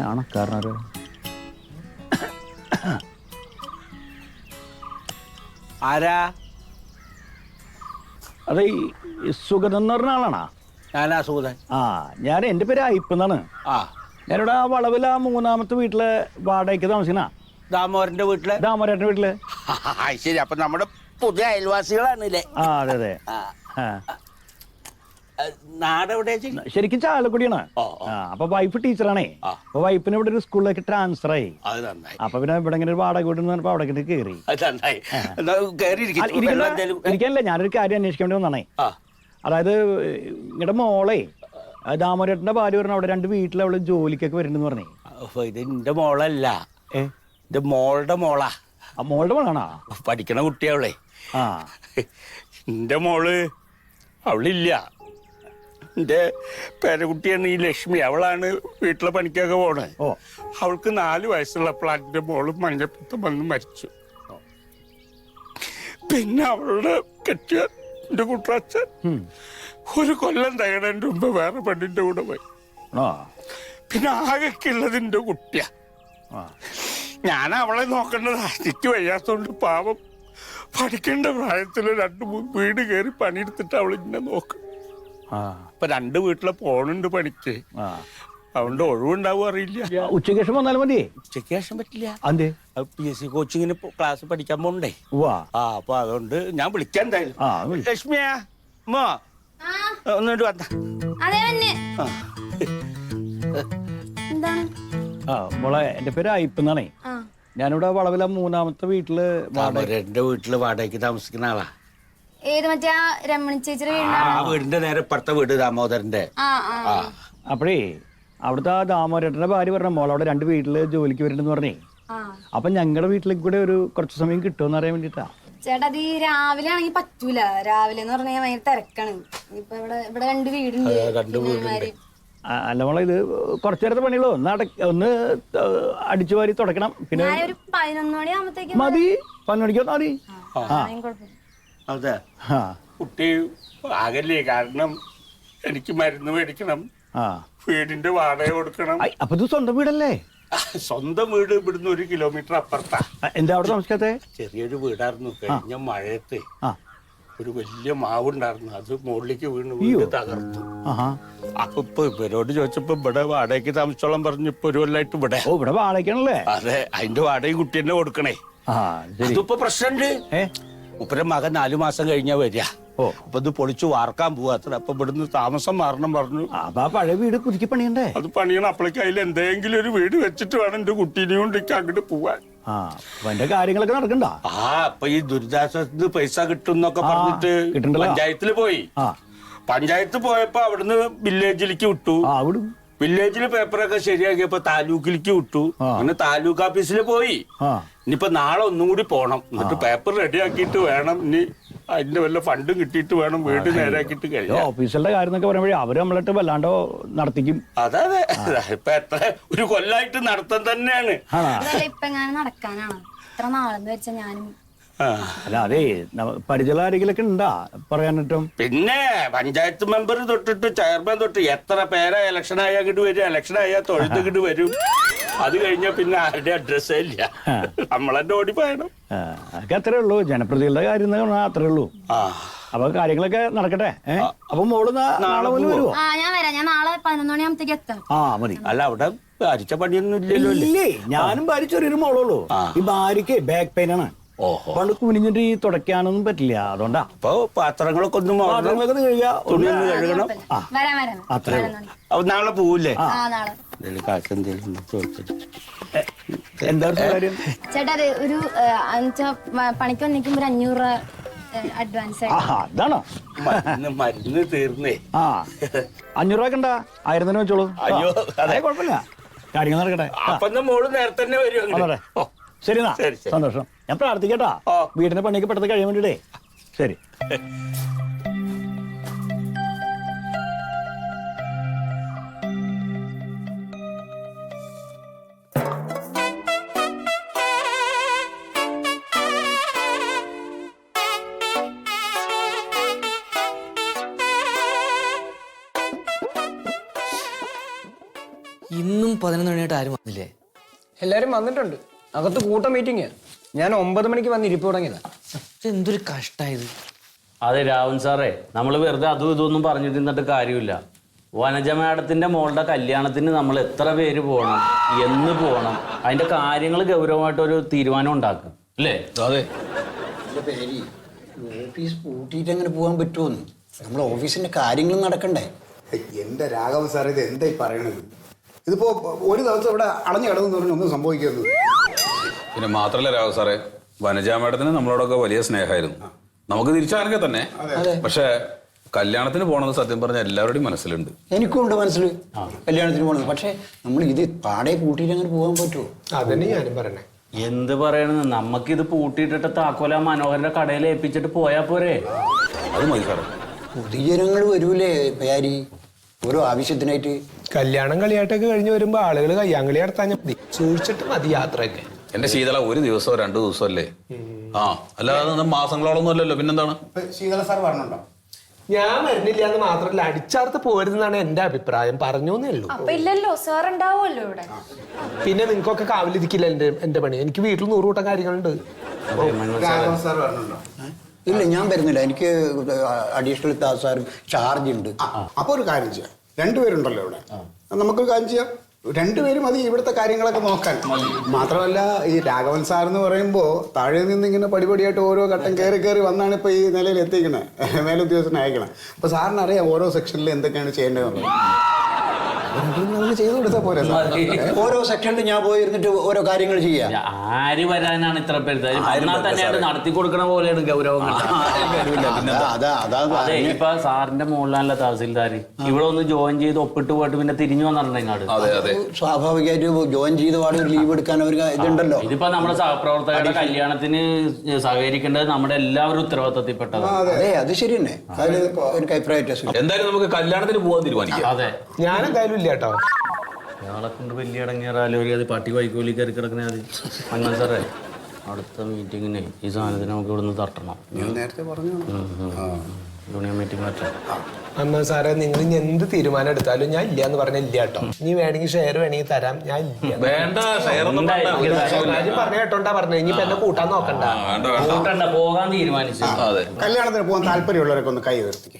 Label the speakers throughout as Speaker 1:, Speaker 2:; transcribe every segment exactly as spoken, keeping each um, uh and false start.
Speaker 1: ആരാണ് കാരണം?
Speaker 2: ആരാ?
Speaker 1: അതെ, ഈ സുഗതൻ എന്ന് പറഞ്ഞ ആളാണാ?
Speaker 2: ഞാനാ സുഗതൻ.
Speaker 1: ആ, ഞാൻ എൻ്റെ പേര് അയ്പെന്നാണ്.
Speaker 2: ആ,
Speaker 1: ഞാനിവിടെ ആ വളവിൽ ആ മൂന്നാമത്തെ വീട്ടിലെ വാടകയ്ക്ക് താമസിക്കണ
Speaker 2: ദാമോദരന്റെ വീട്ടില്.
Speaker 1: ദാമോദരന്റെ വീട്ടില്.
Speaker 2: ശരി, അപ്പൊ നമ്മുടെ പുതിയ അയൽവാസികളാണല്ലേ?
Speaker 1: ആ, അതെ അതെ.
Speaker 2: നാടെവിടെ?
Speaker 1: ശരിക്കും ചാലക്കുടിയാണ്. ആ, അപ്പൊ വൈഫ് ടീച്ചറാണേ. അപ്പൊ വൈഫിന് ഇവിടെ ഒരു സ്കൂളിലേക്ക് ട്രാൻസ്ഫർ ആയി. അപ്പൊ പിന്നെ ഇവിടെ ഇങ്ങനെ ഒരു വാടക വീട് പറഞ്ഞപ്പോ അവിടെ കയറി. ഇരിക്കാനല്ലേ, ഞാനൊരു കാര്യം അന്വേഷിക്കാൻ വേണ്ടി വന്നാണേ. അതായത് നിങ്ങളുടെ മോളെ ദാമോദരന്റെ ഭാര്യ പറഞ്ഞ അവിടെ രണ്ട് വീട്ടിൽ അവള് ജോലിക്കൊക്കെ വരുന്നുണ്ടെന്ന് പറഞ്ഞേ.
Speaker 2: ഇത് എന്റെ മോളല്ല, എന്റെ മോളുടെ മോളാ.
Speaker 1: ആ, മോളുടെ മോളാണോ?
Speaker 2: പഠിക്കണ കുട്ടിയവളെ.
Speaker 1: ആ,
Speaker 2: എന്റെ മോള് അവളില്ല. എന്റെ പേരക്കുട്ടിയാണ് ഈ ലക്ഷ്മി. അവളാണ് വീട്ടിലെ പണിക്കൊക്കെ പോണേ.
Speaker 1: ഓ,
Speaker 2: അവൾക്ക് നാല് വയസ്സുള്ളപ്പോൾ എന്റെ മോള് മഞ്ഞപ്പിത്തം വന്ന് മരിച്ചു. പിന്നെ അവളുടെ കെട്ടിയ എന്റെ കുട്ടച്ഛൻ ഒരു കൊല്ലം തകടേന്റെ മുമ്പ് വേറെ പെണ്ണിന്റെ കൂടെ പോയി. പിന്നെ ആകെക്കുള്ളത് എന്റെ കുട്ടിയ. ഞാൻ അവളെ നോക്കേണ്ടത് എനിക്ക് വയ്യാത്തോണ്ട് പാവം പഠിക്കേണ്ട പ്രായത്തില് രണ്ടു മൂന്ന് വീട് കയറി പണിയെടുത്തിട്ട് അവളിങ്ങനെ നോക്കും. ഇപ്പൊ രണ്ട് വീട്ടിലെ പോണുണ്ട് പണിക്ക്. അതുകൊണ്ട് ഒഴിവുണ്ടാവും അറിയില്ല.
Speaker 1: ഉച്ചയ്ക്ക് ശേഷം വന്നാലും മതി.
Speaker 2: ഉച്ചയ്ക്ക് ശേഷം പറ്റില്ല.
Speaker 1: അതെ,
Speaker 2: പി എസ് സി കോച്ചിങ്ങിന് ക്ലാസ് പഠിക്കാൻ പോണ്ടേ. ആ, അപ്പൊ അതുകൊണ്ട് ഞാൻ വിളിക്കാൻ എന്തായാലും. ലക്ഷ്മിയാ മോ ഒന്നിട്ട് വന്ന.
Speaker 1: മോളെ, എന്റെ പേര് അയ്പെന്നാണേ. ഞാനിവിടെ വളവില മൂന്നാമത്തെ വീട്ടില്
Speaker 2: എന്റെ വീട്ടില് വാടകയ്ക്ക് താമസിക്കുന്ന ആളാ.
Speaker 3: ഏത് മറ്റേ രമണി ചേച്ചിയുടെ
Speaker 2: വീടിന്റെ നേരെ ഇപ്പുറത്തെ വീട് ദാമോദരന്റെ.
Speaker 1: അപ്പഴേ അവിടുത്തെ ആ ദാമോദരന്റെ ഭാര്യ പറഞ്ഞ മോൾ അവിടെ രണ്ട് വീട്ടില് ജോലിക്ക് വരുന്നുണ്ടെന്ന് പറഞ്ഞേ. അപ്പൊ ഞങ്ങളുടെ വീട്ടിലേക്ക് കൂടെ ഒരു കുറച്ച് സമയം കിട്ടുമെന്ന് അറിയാൻ വേണ്ടിട്ടാ.
Speaker 3: ചേട്ടാ, അത് ഈ രാവിലെ ആണെങ്കിൽ പറ്റൂല. രാവിലെ എന്ന് പറഞ്ഞാൽ ഭയങ്കര തിരക്കാണ്. ഇപ്പൊ ഇവിടെ ഇവിടെ രണ്ട് വീടുണ്ട്.
Speaker 1: അല്ല മോളെ, ഇത് കുറച്ചു നേരത്തെ പണികളോ ഒന്ന് ഒന്ന് അടിച്ചു വാരി തുടക്കണം. പിന്നെ
Speaker 3: ഒരു പതിനൊന്ന് മണി ആകുമ്പത്തേക്ക്
Speaker 1: മതി. പതിനൊന്ന് മണിക്ക് മതി.
Speaker 2: അതെ, കുട്ടി ആകല്ലേ. കാരണം എനിക്ക് മരുന്ന് മേടിക്കണം, വീടിന്റെ വാടക കൊടുക്കണം.
Speaker 1: അപ്പൊ ഇത് സ്വന്തം വീടല്ലേ?
Speaker 2: സ്വന്തം വീട് ഇവിടുന്ന് ഒരു കിലോമീറ്റർ അപ്പുറത്താ.
Speaker 1: എന്താ അവിടെ താമസിക്കാത്തെ?
Speaker 2: ചെറിയൊരു വീടായിരുന്നു. കഴിഞ്ഞ മഴയത്ത് ഒരു വലിയ മാവുണ്ടായിരുന്നു, അത് മുകളിലേക്ക് വീണ് വീട് തകർത്തു. അപ്പൊ ഇപ്പൊ ഇവരോട് ചോദിച്ചപ്പോ ഇവിടെ വാടകയ്ക്ക് താമസിച്ചോളം പറഞ്ഞു. ഇപ്പൊ ഒരു കൊല്ലായിട്ട് ഇവിടെ.
Speaker 1: ഓ, ഇവിടെ വാടകയ്ക്കാണല്ലേ?
Speaker 2: അതെ, അതിന്റെ വാടകയും കുട്ടി തന്നെ കൊടുക്കണേ. ഇതിപ്പോ പ്രശ്നമുണ്ട്. ഉപ്പര മകൻ നാലു മാസം കഴിഞ്ഞാ വരിക. ഓ, അപ്പൊ ഇത് പൊളിച്ചു വാർക്കാൻ പോവാ. അത്ര അപ്പൊ ഇവിടുന്ന് താമസം മാറണം പറഞ്ഞു.
Speaker 1: അപ്പൊ ആ പഴയ വീട് പുതുക്കി പണിയണ്ടേ?
Speaker 2: അത് പണിയണം. അപ്പോഴേക്ക് അതിൽ എന്തെങ്കിലും ഒരു വീട് വെച്ചിട്ട് വേണം എന്റെ കുട്ടീനെ കൊണ്ട് അങ്ങോട്ട് പോവാൻ.
Speaker 1: എന്റെ കാര്യങ്ങളൊക്കെ നടക്കണ്ട.
Speaker 2: ആ, അപ്പൊ ഈ ദുരിതാശ്വാസത്തിന് പൈസ കിട്ടും എന്നൊക്കെ പറഞ്ഞിട്ട് പഞ്ചായത്തില് പോയി. പഞ്ചായത്ത് പോയപ്പോ അവിടുന്ന് വില്ലേജിലേക്ക് വിട്ടു. വില്ലേജില് പേപ്പറൊക്കെ ശരിയാക്കിയപ്പോ താലൂക്കിലേക്ക് വിട്ടു. അങ്ങനെ താലൂക്ക് ഓഫീസിൽ പോയി. ഇനിയിപ്പോ നാളെ ഒന്നും കൂടി പോണം. എന്നിട്ട് പേപ്പർ റെഡിയാക്കിയിട്ട് വേണം ഇനി അതിന്റെ വല്ല ഫണ്ടും കിട്ടിയിട്ട് വേണം വീട് നേരാക്കിയിട്ട് കഴിയാം.
Speaker 1: ഓഫീസിലെ കാര്യം എന്നൊക്കെ പറയുമ്പോഴേ അവര് നമ്മളിട്ട് വല്ലാണ്ടോ നടത്തിക്കും.
Speaker 2: അതെ അതെ, ഇപ്പൊ എത്ര ഒരു കൊല്ലായിട്ട് നടത്താൻ തന്നെയാണ്.
Speaker 3: ഇപ്പൊ നടക്കാനാണ് ഇത്ര നാളെന്ന് വെച്ചാ ഞാനും.
Speaker 1: അല്ല, അതെ, പരിചയ ആരെങ്കിലൊക്കെ ഉണ്ടാ പറയാനിട്ടും?
Speaker 2: പിന്നെ പഞ്ചായത്ത് മെമ്പർ തൊട്ടിട്ട് ചെയർമാൻ തൊട്ട് എത്ര പേരാ ഇലക്ഷൻ ആയാ കിട്ട് വരും. ഇലക്ഷൻ ആയാൽ തൊഴുത്ത് കിട്ട് വരും. അത് കഴിഞ്ഞാ പിന്നെ ആരുടെ അഡ്രസ്സേ ഇല്ല. നമ്മളെന്നെ ഓടി പോയണം.
Speaker 1: അതൊക്കെ അത്രേ ഉള്ളൂ. ജനപ്രതികളുടെ കാര്യം അത്രേ ഉള്ളൂ. അപ്പൊ കാര്യങ്ങളൊക്കെ നടക്കട്ടെ. അപ്പൊ മോള് നാളെ മുതൽ വരുമോ?
Speaker 3: ഞാൻ വരാം. ഞാൻ നാളെ പതിനൊന്ന് മണിയാകുമ്പത്തേക്ക് എത്താം.
Speaker 1: ആ, മതി.
Speaker 2: അല്ല, അവിടെ ഭാരിച്ച പണിയൊന്നും ഇല്ലല്ലോ.
Speaker 1: ഇല്ലേ, ഞാനും ഭാര്യ ചെറിയൊരു മോളുള്ളൂ. ഈ ഭാര്യക്ക് ബാക്ക് പെയിൻ ആണ്. പണ്ട് കുനിഞ്ഞിട്ട് ഈ തുടയ്ക്കാനൊന്നും പറ്റില്ല. അതുകൊണ്ടാ.
Speaker 2: അപ്പൊ പാത്രങ്ങളൊക്കെ ഒന്നും
Speaker 1: പാത്രങ്ങളൊക്കെ
Speaker 2: തുണിയൊന്നും കഴുകണം.
Speaker 1: അത്രേ.
Speaker 2: അപ്പൊ നാളെ പോവില്ലേ?
Speaker 3: കാശ്
Speaker 1: എന്താ കാര്യം?
Speaker 3: ചേട്ടാ, ഒരു പണിക്ക് വന്നിരിക്കുമ്പോ ഒരു അഞ്ഞൂറ് രൂപ അഡ്വാൻസ്.
Speaker 1: അതാണോ?
Speaker 2: മരുന്ന് തീർന്നേ.
Speaker 1: ആ, അഞ്ഞൂറ് രൂപ ഉണ്ടാ? ആയിരം തന്നെ വെച്ചോളൂ.
Speaker 2: അയ്യോ,
Speaker 1: അതെ, കുഴപ്പമില്ല. കാര്യങ്ങൾ നടക്കട്ടെ.
Speaker 2: അപ്പൊ മോള് നേരത്തെ തന്നെ വരും.
Speaker 1: ശരി, എന്നാ സന്തോഷം. ഞാൻ പ്രാർത്ഥിക്കട്ടാ വീടിന്റെ പണിയൊക്കെ പെട്ടെന്ന് കഴിയാൻ വേണ്ടിട്ടേ. ശരി.
Speaker 4: ഇന്നും പതിനൊന്ന് മണിയായിട്ട് ആരും വന്നില്ലേ?
Speaker 5: എല്ലാരും വന്നിട്ടുണ്ട്. അകത്ത് കൂട്ട മീറ്റിംഗ്. ഞാൻ ഒമ്പത് മണിക്ക് വന്ന് ഇരിപ്പ് തുടങ്ങിയതാ.
Speaker 4: എന്തൊരു കഷ്ടായത്.
Speaker 6: അതെ രാവൻ സാറേ, നമ്മൾ വെറുതെ അതും ഇതൊന്നും പറഞ്ഞിട്ട് നിന്നിട്ട് കാര്യമില്ല. വനജ മാഡത്തിന്റെ മോളുടെ കല്യാണത്തിന് നമ്മൾ എത്ര പേര് പോകണം, എന്ന് പോകണം, അതിന്റെ കാര്യങ്ങൾ ഗൗരവമായിട്ടൊരു തീരുമാനം ഉണ്ടാക്കും അല്ലേ?
Speaker 7: അതെ പേര് ഓഫീസ് പൂട്ടിയിട്ട് അങ്ങനെ പോകാൻ പറ്റുമെന്ന് നമ്മുടെ ഓഫീസിന്റെ കാര്യങ്ങളും നടക്കണ്ടേ?
Speaker 8: എന്റെ രാഘവൻ സാർ ഇത് എന്തായി പറയണത്? ഇതിപ്പോ ഒരു ദിവസം ഇവിടെ അടഞ്ഞു കിടന്നു പറഞ്ഞാൽ ഒന്നും സംഭവിക്കുന്നു.
Speaker 9: പിന്നെ മാത്രല്ല രാഘവ് സാറേ, വനജ മാഡത്തിന് നമ്മളോടൊക്കെ വലിയ സ്നേഹമായിരുന്നു. നമുക്ക് തിരിച്ചറിഞ്ഞ തന്നെ. പക്ഷെ കല്യാണത്തിന് പോകണമെന്ന് സത്യം പറഞ്ഞ എല്ലാവരുടെയും മനസ്സിലുണ്ട്.
Speaker 7: എനിക്കും ഉണ്ട് മനസ്സിൽ കല്യാണത്തിന് പോകണത്. പക്ഷെ നമ്മൾ ഇത് പാടെ പൂട്ടിയിട്ട് അങ്ങനെ പോകാൻ പറ്റുമോ?
Speaker 5: അതന്നെ ഞാനും പറയണേ.
Speaker 6: എന്ത് പറയണെന്ന്, നമുക്കിത് പൂട്ടിയിട്ടിട്ട് താക്കോല മനോഹരന്റെ കടയിൽ ഏൽപ്പിച്ചിട്ട് പോയാ പോരെ?
Speaker 9: അത് മതി സാറേ.
Speaker 7: പൊതുജനങ്ങൾ വരൂലേ പേരി ഓരോ ആവശ്യത്തിനായിട്ട്?
Speaker 5: കല്യാണം കളിയായിട്ടൊക്കെ കഴിഞ്ഞ് വരുമ്പോ ആളുകൾ കയ്യാങ്കളി നടത്താൻ മതി. സൂക്ഷിച്ചിട്ട് മതി യാത്രയൊക്കെ.
Speaker 9: എന്റെ ശീതള ഒരു ദിവസമോ രണ്ടു ദിവസമോ അല്ലേ? ആ അല്ലാതെ മാസങ്ങളോളൊന്നും അല്ലല്ലോ. പിന്നെന്താണ്?
Speaker 8: ശീതള സാർ പറഞ്ഞുണ്ടോ?
Speaker 5: ഞാൻ വരുന്നില്ല എന്ന് മാത്രമല്ല, അടിച്ചാർത്ത് പോരുതെന്നാണ് എന്റെ അഭിപ്രായം. പറഞ്ഞേ ഉള്ളൂ.
Speaker 3: അപ്പൊ ഇല്ലല്ലോ, സാർ ഉണ്ടാവുമല്ലോ ഇവിടെ.
Speaker 5: പിന്നെ നിങ്ങൾക്കൊക്കെ കാവലിരിക്കില്ല എന്റെ എന്റെ പണി. എനിക്ക് വീട്ടിൽ നൂറ് കൂട്ടം കാര്യങ്ങളുണ്ട്.
Speaker 8: രാഘവൻ സാർ പറഞ്ഞുണ്ടോ?
Speaker 7: ഇല്ല, ഞാൻ വരുന്നില്ല. എനിക്ക് അഡീഷണൽ സാർ ചാർജ് ഉണ്ട്.
Speaker 8: അപ്പൊ ഒരു കാര്യം ചെയ്യാം, രണ്ടുപേരുണ്ടല്ലോ ഇവിടെ, നമുക്കൊരു കാര്യം ചെയ്യാം. രണ്ടുപേരും മതി ഇവിടുത്തെ കാര്യങ്ങളൊക്കെ നോക്കാൻ. മാത്രമല്ല ഈ രാഘവൻ സാർ എന്ന് പറയുമ്പോ താഴെ നിന്ന് ഇങ്ങനെ പടിപടിയായിട്ട് ഓരോ ഘട്ടം കയറി കയറി വന്നാണ് ഇപ്പൊ ഈ നിലയിൽ എത്തിക്കണേ, മേലുദ്യോഗസ്ഥനെ അയക്കണം. അപ്പൊ സാറിന് അറിയാം ഓരോ സെക്ഷനിൽ എന്തൊക്കെയാണ് ചെയ്യേണ്ടതെന്നുള്ളത്. ചെയ്തു കൊടുത്താൽ പോരെ?
Speaker 7: ഓരോ സെക്ഷനിൽ ഞാൻ പോയി ഇരുന്നിട്ട് ഓരോ കാര്യങ്ങൾ ചെയ്യാം.
Speaker 6: ആര് വരാനാണ് ഇത്ര പേര്? എന്നാൽ തന്നെയാണ് നടത്തി കൊടുക്കണ പോലെയാണ് ഗൗരവം. അതെ, ഇപ്പൊ സാറിന്റെ മുകളിലാണല്ലോ തഹസിൽദാര്. ഇവിടെ ഒന്ന് ജോയിൻ ചെയ്ത് ഒപ്പിട്ട് പോയിട്ട് പിന്നെ തിരിഞ്ഞു വന്നിട്ടുണ്ടെങ്കിൽ
Speaker 7: സ്വാഭാവികമായിട്ട് ജോയിൻ ചെയ്ത പാട് ലീവ് എടുക്കാൻ ഒരു ഇതുണ്ടല്ലോ.
Speaker 6: ഇതിപ്പോ നമ്മുടെ സഹപ്രവർത്തകരുടെ കല്യാണത്തിന് സഹകരിക്കേണ്ടത് നമ്മുടെ എല്ലാവരും ഉത്തരവാദിത്തത്തിൽപ്പെട്ടതാണ്.
Speaker 7: അതെ, അത് ശരി തന്നെ. അതിൽ ഒരു അഭിപ്രായം.
Speaker 9: എന്തായാലും നമുക്ക് കല്യാണത്തിന് പോകാൻ തീരുമാനിക്കാം.
Speaker 6: അതെ,
Speaker 5: ഞാൻ എന്തായാലും ഇല്ല കേട്ടോ.
Speaker 6: ഞങ്ങളെ കൊണ്ട് വലിയ ഇടങ്ങിയാലോ അത് പട്ടി വൈക്കോലി കയറി കിടക്കണേ. അത് അങ്ങനെ സാറേ, അടുത്ത മീറ്റിങ്ങിന് ഈ സാധനത്തിന് നമുക്ക് ഇവിടുന്ന് തട്ടണം.
Speaker 8: നേരത്തെ പറഞ്ഞു
Speaker 6: യൂണിയൻ മീറ്റിംഗ് പറ്റാം.
Speaker 5: അമ്മ സാറേ, നിങ്ങൾ ഇനി എന്ത് തീരുമാനം എടുത്താലും ഞാൻ ഇല്ല എന്ന് പറഞ്ഞ ഇല്ല കേട്ടോ. ഇനി വേണമെങ്കിൽ ഷെയർ വേണമെങ്കിൽ തരാം, ഞാൻ ഇല്ല.
Speaker 9: വേണ്ട,
Speaker 5: പറഞ്ഞ കേട്ടോണ്ടാ പറഞ്ഞത്. ഇനിയിപ്പോ എന്നെ കൂട്ടാൻ നോക്കണ്ട.
Speaker 6: കൂട്ടണ്ട, പോകാൻ തീരുമാനിച്ചു.
Speaker 8: കല്യാണത്തിന് പോകാൻ താല്പര്യമുള്ളവരൊക്കെ ഒന്ന് കൈ ഉയർത്തിക്കേ.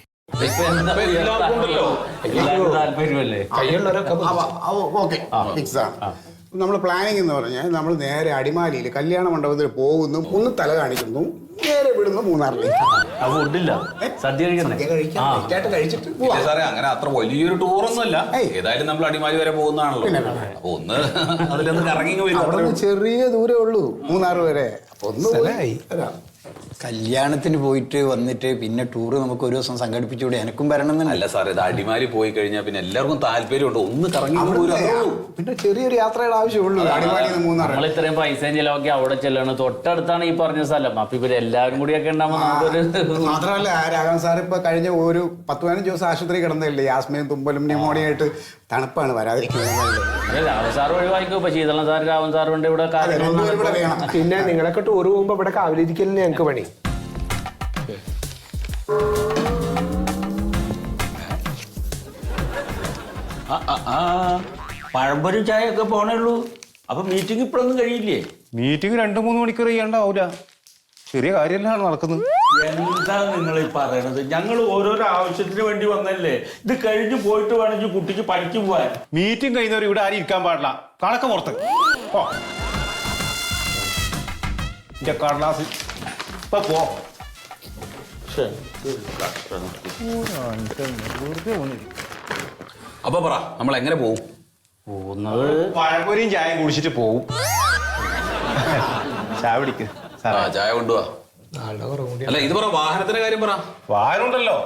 Speaker 6: താല്പര്യമല്ലേ?
Speaker 5: കൈയുള്ളവരൊക്കെ
Speaker 8: ഓക്കെ, ഫിക്സ് ആണ്. നമ്മൾ പ്ലാനിങ് എന്ന് പറഞ്ഞാൽ നമ്മൾ നേരെ അടിമാലിയിൽ കല്യാണ മണ്ഡപത്തിൽ പോകുന്നു, ഒന്ന് തല കാണിക്കുന്നു, നേരെ വിടുന്നു മൂന്നാറിലേക്ക്.
Speaker 6: ഫുഡില്ല, സദ്യ
Speaker 8: കഴിച്ചിട്ട്
Speaker 9: സാറേ അങ്ങനെ അത്ര വലിയൊരു ടൂറൊന്നും അല്ല. ഏതായാലും നമ്മൾ അടിമാലി വരെ പോകുന്നതാണല്ലോ. അപ്പൊ ഒന്ന് അതിലൊന്ന് കറങ്ങി വരും.
Speaker 8: ചെറിയ ദൂരേ ഉള്ളൂ മൂന്നാർ വരെ. അപ്പൊ ഒന്ന്
Speaker 7: കല്യാണത്തിന് പോയിട്ട് വന്നിട്ട് പിന്നെ ടൂറ് നമുക്ക് ഒരു ദിവസം സംഘടിപ്പിച്ചുകൂടെ? എനക്കും വരണം.
Speaker 9: അല്ല സാർ, ഇത് അടിമാലി പോയി കഴിഞ്ഞാൽ പിന്നെ എല്ലാവർക്കും താല്പര്യമുണ്ട്. ഒന്ന് കറങ്ങി
Speaker 8: പിന്നെ ചെറിയൊരു യാത്രയുടെ ആവശ്യമുള്ളൂ അടിമാലി മൂന്നാർ.
Speaker 6: നമ്മൾ ഇത്രയും പൈസ ചെലവാക്കി അവിടെ ചെല്ലണം. തൊട്ടടുത്താണ് ഈ പറഞ്ഞ സ്ഥലം. അപ്പൊ ഇവര് എല്ലാവരും കൂടിയൊക്കെ ഉണ്ടാകുമ്പോൾ നമുക്കൊരു.
Speaker 8: മാത്രമല്ല രാഘവൻ സാർ ഇപ്പൊ കഴിഞ്ഞ ഒരു പത്ത് പതിനഞ്ച് ദിവസം ആശുപത്രി കിടന്നില്ലേ, യാസ്മയും തുമ്പലും ന്യൂമോണിയായിട്ട്. തണുപ്പാണ്, വരാതിരിക്കുന്നത്.
Speaker 6: രാവൻ സാർ ഒഴിവാക്കും. ഇപ്പൊ ശീതളൻ സാർ രാവൻ സാറിന്റെ ഇവിടെ
Speaker 5: പിന്നെ നിങ്ങളൊക്കെ ടൂർ പോകുമ്പോ ഇവിടെ കാവലിരിക്കലിന് ഞങ്ങൾക്ക് പണി.
Speaker 10: പഴംപൊരി ചായ ഒക്കെ പോണേള്ളൂ. അപ്പൊ മീറ്റിംഗ് ഇപ്പോഴൊന്നും കഴിയില്ലേ?
Speaker 11: മീറ്റിംഗ് രണ്ടു മൂന്ന് മണിക്കൂർ ചെയ്യണ്ടാവൂല. ചെറിയ കാര്യമല്ലാണ് നടക്കുന്നത്.
Speaker 10: എന്താ നിങ്ങൾ ഈ പറയണത്? ഞങ്ങൾ ഓരോരോ ആവശ്യത്തിന് വേണ്ടി വന്നല്ലേ. ഇത് കഴിഞ്ഞ് പോയിട്ട് വേണമെങ്കിൽ കുട്ടിക്ക് പഠിച്ചു പോവാൻ.
Speaker 11: മീറ്റിംഗ് കഴിയുന്നവർ ഇവിടെ ആരും ഇരിക്കാൻ പാടില്ല. കണക്ക പുറത്ത് കടലാസ് ഇപ്പൊ പോ.
Speaker 9: അപ്പൊ പറ, നമ്മൾ എങ്ങനെ പോകും?
Speaker 6: പോകുന്നത്
Speaker 11: പഴംപൊരിയും ചായയും കുടിച്ചിട്ട് പോവും. ചായ പിടിക്ക്.
Speaker 9: ചായ കൊണ്ടുപോവാ. അല്ല ഇത് പറ, വാഹനത്തിന്റെ കാര്യം പറ.
Speaker 11: വാഹനം ഉണ്ടല്ലോ.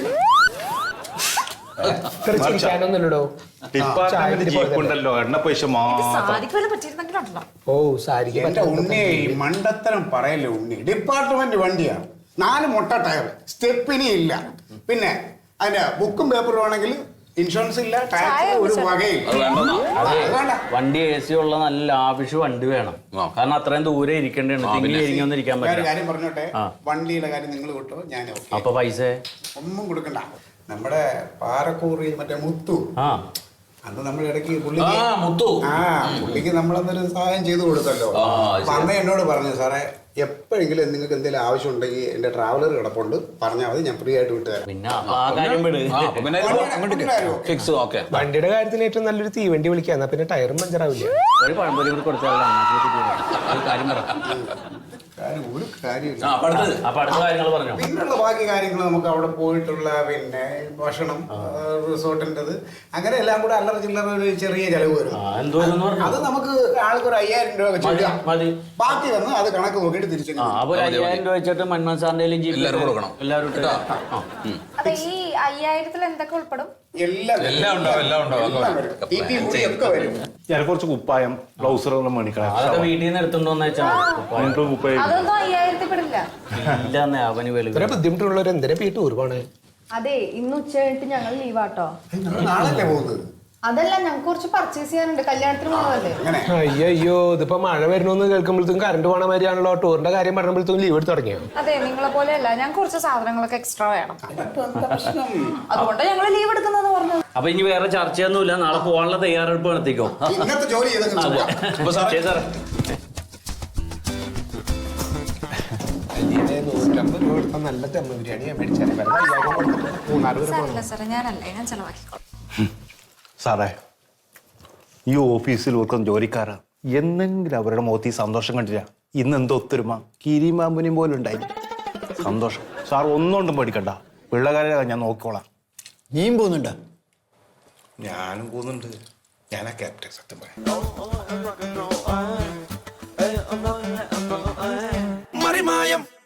Speaker 11: ജീപ്പുണ്ടല്ലോ, എണ്ണ പൈസ മാത്രം.
Speaker 5: ഓ സാരിക്ക്
Speaker 8: എന്റെ ഉണ്ണി മണ്ടത്തരം പറയല്ലേ ഉണ്ണി. ഡിപ്പാർട്ട്മെന്റ് വണ്ടിയാണ്, നാല് മുട്ട ടയർ, സ്റ്റെപ്പിനി ഇല്ല, പിന്നെ അതിന്റെ ബുക്കും പേപ്പറും ആണെങ്കിൽ ഇൻഷുറൻസ് ഇല്ല, ടാക്സ് ഒരു വകയില്ല.
Speaker 6: വണ്ടി എ സി ഉള്ള നല്ല ലാവിഷ് വണ്ടി വേണം. കാരണം അത്രയും ദൂരെ ഇരിക്കേണ്ടതാണ്. ഇരിക്കാൻ പറ്റില്ല.
Speaker 8: കാര്യം പറഞ്ഞോട്ടെ, വണ്ടിയുടെ കാര്യം നിങ്ങൾ കിട്ടോ, ഞാൻ
Speaker 6: അപ്പൊ പൈസ
Speaker 8: ഒന്നും കൊടുക്കണ്ട. നമ്മുടെ പാറക്കൂറി മറ്റേ മുത്തു അന്ന് നമ്മൾ ഇടയ്ക്ക് പുള്ളിക്ക്
Speaker 9: ആ മുത്തു
Speaker 8: ആ പുള്ളിക്ക് നമ്മളന്നൊരു സഹായം ചെയ്തു കൊടുത്തല്ലോ.
Speaker 9: ആ,
Speaker 8: അപ്പൊ അന്ന് എന്നോട് പറഞ്ഞു, സാറേ എപ്പോഴെങ്കിലും നിങ്ങൾക്ക് എന്തെങ്കിലും ആവശ്യം ഉണ്ടെങ്കിൽ എന്റെ ട്രാവലർ കിടപ്പുണ്ട്, പറഞ്ഞാൽ മതി, ഞാൻ ഫ്രീ ആയിട്ട് വിട്ടുതരാം.
Speaker 6: പിന്നെ അപ്പൊ ആ കാര്യം വിട്.
Speaker 9: ആ, അപ്പൊ പിന്നെ ഫിക്സ് ഓക്കെ.
Speaker 5: വണ്ടിയുടെ കാര്യത്തിന് ഏറ്റവും നല്ലൊരു തീവണ്ടി വിളിക്കുക, എന്നാ പിന്നെ ടയറും പഞ്ചറാവില്ല.
Speaker 6: ഒരു പഴംപൊരി കൂടി കൊടുത്താൽ
Speaker 9: കാര്യം പറ.
Speaker 8: കാര്യം ഒരു കാര്യമില്ല.
Speaker 9: ആ, അപ്പൊ അടുത്തത്.
Speaker 6: അപ്പൊ അടുത്ത കാര്യങ്ങൾ പറഞ്ഞു.
Speaker 8: പിന്നുള്ള ബാക്കി കാര്യങ്ങൾ നമുക്ക് അവിടെ പോയിട്ടുള്ള പിന്നെ ഭക്ഷണം, റിസോർട്ടിൻ്റെത്, അങ്ങനെ എല്ലാം കൂടെ അല്ലറ ചില്ലറ ഒരു ചെറിയ ചെലവ് വരും.
Speaker 6: എന്തോന്ന് പറഞ്ഞു
Speaker 8: അത് നമുക്ക് ആൾക്കൊരു അയ്യായിരം രൂപ വെച്ച് ഇടാം.
Speaker 6: മതി.
Speaker 8: ബാക്കി വന്ന് അത് കണക്ക് നോക്കിയിട്ട് തിരിച്ചു.
Speaker 6: ആ അപ്പൊ ഒരു അയ്യായിരം രൂപ വെച്ചിട്ട് മന്മോഹൻ സാറിന്റെ
Speaker 9: എല്ലാവരും കൊടുക്കണം.
Speaker 6: എല്ലാവരും ഇട്ട്. ആ.
Speaker 3: അതെ, ഈ അയ്യായിരത്തിൽ എന്തൊക്കെ ഉൾപ്പെടും?
Speaker 8: എല്ലാം
Speaker 9: എല്ലാം ഉണ്ടാവും എല്ലാം ഉണ്ടാവും
Speaker 8: എല്ലാം വരും. ടി പി മുടി ഒക്കെ വരും.
Speaker 11: ഞാൻ കുറച്ച് കുപ്പായം ബ്ലൗസറുകളും മേടിക്കണം.
Speaker 6: അതൊക്കെ വീട്ടിൽ നിന്ന് എടുത്തോണ്ട് വന്നു വെച്ചാൽ
Speaker 11: രണ്ട് കുപ്പായം
Speaker 3: അതൊന്നും അയ്യായിരത്തിൽ പെടില്ല.
Speaker 6: ഇല്ലെന്നേ അവന് വെളി
Speaker 5: ഇത്ര ബുദ്ധിമുട്ടുള്ളവർ എന്തിനാ പീട്ട് ഒരുപാട്.
Speaker 3: അതെ, ഇന്ന് ഉച്ച കഴിഞ്ഞിട്ട് ഞങ്ങൾ ലീവാട്ടോ.
Speaker 8: നമ്മൾ നാളല്ലേ പോകുന്നത്?
Speaker 3: അതല്ല, ഞങ്ങൾക്ക് കുറച്ച് പർച്ചേസ് ചെയ്യാനുണ്ട്, കല്യാണത്തിന് പോകുന്നതല്ലേ.
Speaker 8: അങ്ങനെ
Speaker 5: അയ്യോ അയ്യോ ഇതിപ്പോ മഴ വരുന്നു കേൾക്കുമ്പോഴത്തേക്കും കറണ്ട് പോണ മാതിരിയാണല്ലോ. ടൂറിന്റെ കാര്യം പറഞ്ഞപ്പോഴത്തേക്കും ലീവ് എടുത്ത് തുടങ്ങിയോ?
Speaker 3: അതെ, നിങ്ങളെ പോലെയല്ല, ഞങ്ങൾക്ക് കുറച്ച് സാധനങ്ങളൊക്കെ എക്സ്ട്രാ വേണം, അതുകൊണ്ട് ഞങ്ങൾ ലീവ് എടുക്കുന്നത് പറഞ്ഞത്.
Speaker 6: അപ്പൊ ഇനി വേറെ ചർച്ചയൊന്നുമില്ല, നാളെ പോകാനുള്ള തയ്യാറെടുപ്പ് നടത്തിക്കോ.
Speaker 8: ഇന്നത്തെ ജോലി ചെയ്തങ്ങ് പോവാം.
Speaker 6: അപ്പൊ സാറേ സാറേ
Speaker 5: നൂറ്റമ്പത് രൂപ എടുത്താൽ നല്ല തെമ്മ ബിരിയാണി ഞാൻ മേടിച്ചാലേ മൂന്നാല് പേര്
Speaker 3: സാറില്ല സാറേ, ഞാനല്ലേ, ഞാൻ ചെലവാക്കിക്കോളാം.
Speaker 11: സാറേ, ഈ ഓഫീസിൽ ഓർക്കുന്ന ജോലിക്കാരാ എന്നെങ്കിലും അവരുടെ മുഖത്ത് ഈ സന്തോഷം കണ്ടില്ല. ഇന്ന് എന്തോ ഒത്തൊരുമ കിരിമാമ്പുനിയും പോലും ഉണ്ടായി. സന്തോഷം. സാർ ഒന്നുകൊണ്ടും പേടിക്കണ്ട, പിള്ളേരെ ഞാൻ നോക്കിക്കോളാം.
Speaker 7: നീയും പോകുന്നുണ്ടോ?
Speaker 5: ഞാനും പോകുന്നുണ്ട്. ഞാനാ ക്യാപ്റ്റൻ. സത്യം പറയാം.
Speaker 2: മറിമായം